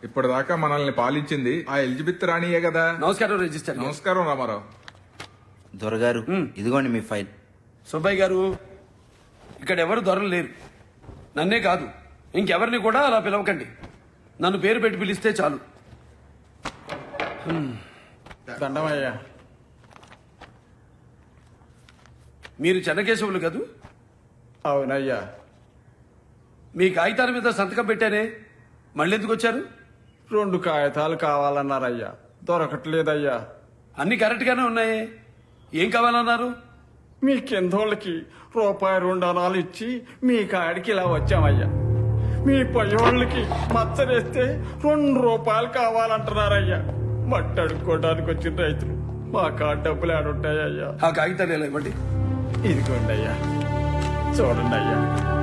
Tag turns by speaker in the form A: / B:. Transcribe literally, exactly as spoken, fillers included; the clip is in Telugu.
A: ఇప్పటిదాకా మనల్ని పాలించింది ఆ ఎలిజబెత్ రాణియే కదా.
B: నమస్కారం రిజిస్టర్ గారు.
A: నమస్కారం రామారావు.
C: దొరగారు ఇదిగోండి మీ ఫైల్.
B: సుబ్బయ్య గారు, ఇక్కడ ఎవరు దొరలు లేరు. నన్నే కాదు ఇంకెవరిని కూడా అలా పిలవకండి. నన్ను పేరు పెట్టి పిలిస్తే చాలు.
D: దండమయ్యా.
B: మీరు చెన్నకేశవులు కదూ?
D: అవునయ్యా.
B: మీ కాగితాల మీద సంతకం పెట్టానే, మళ్ళీ ఎందుకు వచ్చారు?
D: రెండు కాగితాలు కావాలన్నారయ్యా, దొరకట్లేదయ్యా.
B: అన్ని కరెక్ట్ గానే ఉన్నాయే, ఏం కావాలన్నారు?
D: మీ కిందోళ్ళకి రూపాయి రెండు అనాలు ఇచ్చి మీ కాడికి ఇలా వచ్చామయ్యా. మీ పయ్యోళ్ళకి మచ్చరేస్తే రెండు రూపాయలు కావాలంటున్నారయ్యా. మట్టి అడుక్కోవడానికి వచ్చిన రైతులు మా కాడ డబ్బులు ఆడుంటాయ్యా.
B: ఆ కాగితాలు ఎలా ఇవ్వండి.
D: ఇదిగోండి అయ్యా, చూడండి అయ్యా.